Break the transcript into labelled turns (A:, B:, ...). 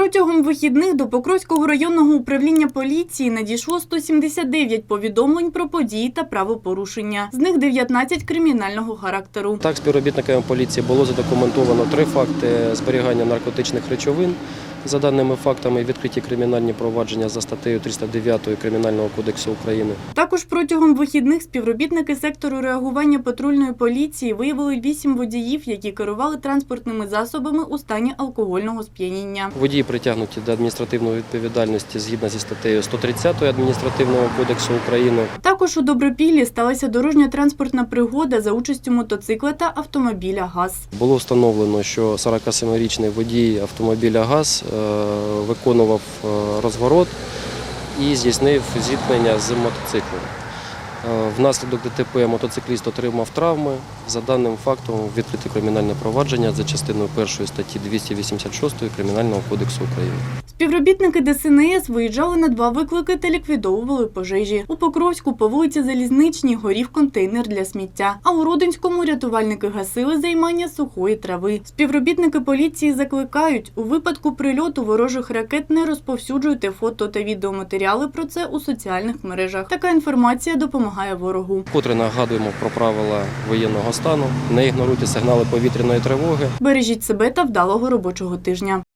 A: Протягом вихідних до Покровського районного управління поліції надійшло 179 повідомлень про події та правопорушення. З них 19 кримінального характеру.
B: Так, співробітниками поліції було задокументовано 3 факти зберігання наркотичних речовин. За даними фактами, відкриті кримінальні провадження за статтею 309 Кримінального кодексу України.
A: Також протягом вихідних співробітники сектору реагування патрульної поліції виявили 8 водіїв, які керували транспортними засобами у стані алкогольного сп'яніння.
B: Водії притягнуті до адміністративної відповідальності згідно зі статтею 130 Адміністративного кодексу України.
A: Також у Добропіллі сталася дорожньо-транспортна пригода за участю мотоцикла та автомобіля ГАЗ.
B: Було встановлено, що 47-річний водій автомобіля ГАЗ виконував розворот і здійснив зіткнення з мотоциклом. Внаслідок ДТП мотоцикліст отримав травми. За даним фактом відкрите кримінальне провадження за частиною 1 статті 286 Кримінального кодексу України.
A: Співробітники ДСНС виїжджали на 2 виклики та ліквідовували пожежі. У Покровську по вулиці Залізничній горів контейнер для сміття, а у Родинському рятувальники гасили займання сухої трави. Співробітники поліції закликають, у випадку прильоту ворожих ракет не розповсюджуйте фото та відеоматеріали про це у соціальних мережах. Така інформація допомагає ворогу.
B: Вкотре нагадуємо про правила воєнного стану, не ігноруйте сигнали повітряної тривоги.
A: Бережіть себе та вдалого робочого тижня.